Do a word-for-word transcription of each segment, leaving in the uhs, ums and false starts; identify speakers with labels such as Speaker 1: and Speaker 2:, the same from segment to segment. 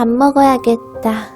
Speaker 1: 밥 먹어야겠다.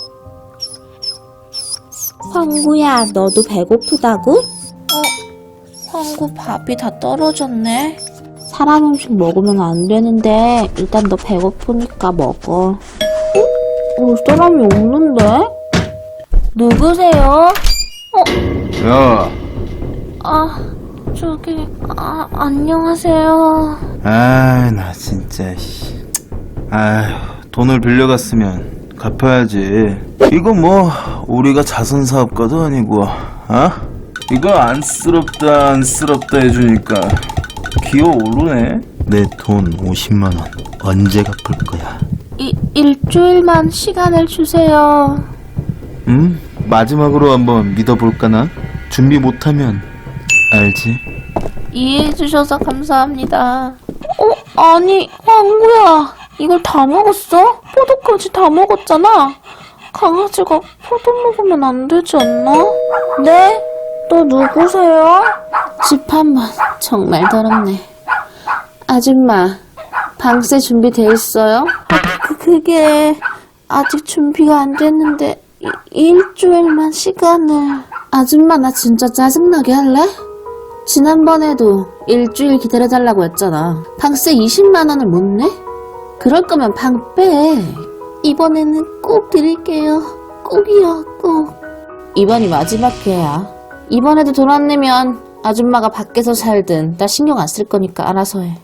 Speaker 1: 황구야, 너도 배고프다고? 어, 황구 밥이 다 떨어졌네. 사람 음식 먹으면 안 되는데 일단 너 배고프니까 먹어. 어? 올 사람이 없는데? 누구세요? 어?
Speaker 2: 야,
Speaker 1: 아, 저기, 아, 안녕하세요.
Speaker 2: 아, 나 진짜, 씨. 아휴, 돈을 빌려갔으면 갚아야지. 이거 뭐, 우리가 자선사업가도 아니고, 어? 이거 안쓰럽다, 안쓰럽다 해주니까 기어오르네? 내 돈 오십만 원 언제 갚을 거야?
Speaker 1: 이, 일주일만 시간을 주세요.
Speaker 2: 응? 마지막으로 한번 믿어볼까나? 준비 못하면 알지?
Speaker 1: 이해해주셔서 감사합니다. 어? 아니, 황구야. 이걸 다 먹었어? 포도까지 다 먹었잖아. 강아지가 포도 먹으면 안 되지 않나? 네? 또 누구세요? 집 한 번 정말 더럽네. 아줌마, 방세 준비돼 있어요? 그, 그게 아직 준비가 안 됐는데 이, 일주일만 시간을. 아줌마, 나 진짜 짜증나게 할래? 지난번에도 일주일 기다려달라고 했잖아. 방세 이십만 원을 못 내? 그럴 거면 방 빼. 이번에는 꼭 드릴게요. 꼭이요, 꼭. 이번이 마지막 기회야. 이번에도 돈 안 내면 아줌마가 밖에서 살든 나 신경 안 쓸 거니까 알아서 해.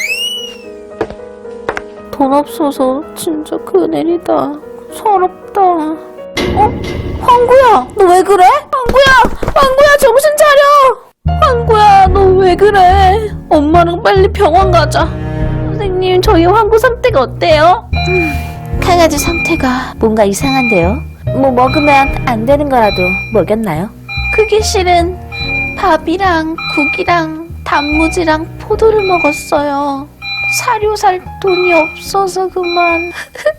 Speaker 1: 돈 없어서 진짜 큰일이다. 서럽다. 어? 황구야, 너 왜 그래? 황구야, 황구야, 정신 차려. 황구야, 너 왜 그래? 엄마랑 빨리 병원 가자. 선생님, 저희 황구 상태가 어때요? 음, 강아지 상태가 뭔가 이상한데요? 뭐 먹으면 안 되는 거라도 먹였나요? 그게 실은 밥이랑 국이랑 단무지랑 포도를 먹었어요. 사료 살 돈이 없어서 그만.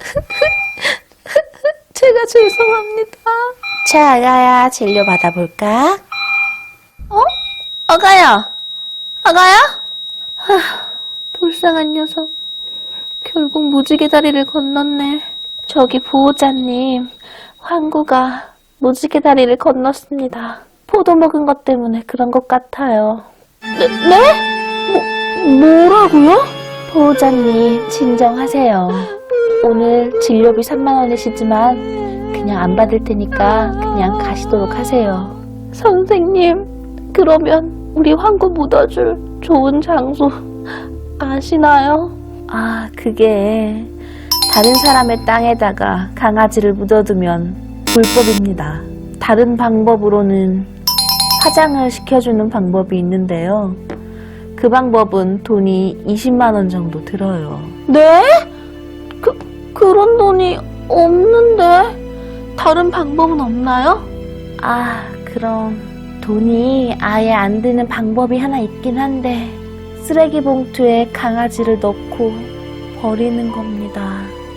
Speaker 1: 제가 죄송합니다. 자, 아가야, 진료 받아볼까? 어? 아가야! 아가야? 하, 불쌍한 녀석. 결국 무지개 다리를 건넜네. 저기 보호자님, 황구가 무지개 다리를 건넜습니다. 포도 먹은 것 때문에 그런 것 같아요. 네? 네? 뭐, 뭐라고요? 보호자님, 진정하세요. 오늘 진료비 삼만 원이시지만 그냥 안 받을 테니까 그냥 가시도록 하세요. 선생님, 그러면 우리 황구 묻어줄 좋은 장소 아시나요? 아, 그게 다른 사람의 땅에다가 강아지를 묻어두면 불법입니다. 다른 방법으로는 화장을 시켜주는 방법이 있는데요. 그 방법은 돈이 이십만 원 정도 들어요. 네? 그, 그런 돈이 없는데? 다른 방법은 없나요? 아, 그럼 돈이 아예 안 드는 방법이 하나 있긴 한데 쓰레기 봉투에 강아지를 넣고 버리는 겁니다.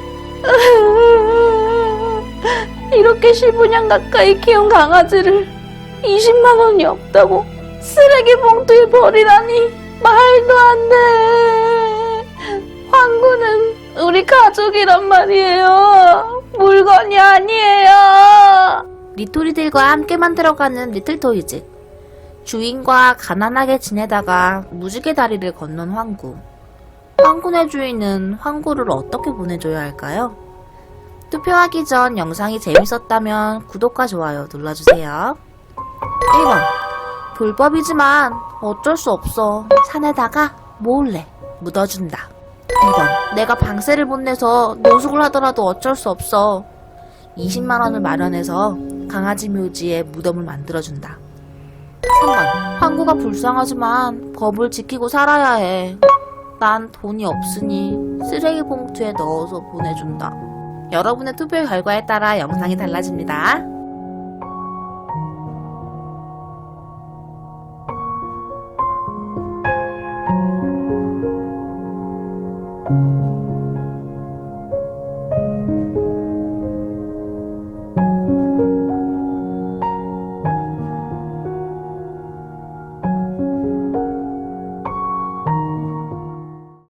Speaker 1: 이렇게 십오 년 가까이 키운 강아지를 이십만 원이 없다고 쓰레기 봉투에 버리라니 말도 안 돼. 황구는 우리 가족이란 말이에요. 물건이 아니에요. 리토리들과 함께 만들어가는 리틀토이즈. 주인과 가난하게 지내다가 무지개 다리를 건넌 황구. 황구네 주인은 황구를 어떻게 보내줘야 할까요? 투표하기 전 영상이 재밌었다면 구독과 좋아요 눌러주세요. 일 번. 불법이지만 어쩔 수 없어. 산에다가 몰래 묻어준다. 이 번. 내가 방세를 못 내서 노숙을 하더라도 어쩔 수 없어. 이십만 원을 마련해서 강아지 묘지에 무덤을 만들어준다. 삼 번. 황구가 불쌍하지만 법을 지키고 살아야 해. 난 돈이 없으니 쓰레기 봉투에 넣어서 보내준다. 여러분의 투표 결과에 따라 영상이 달라집니다.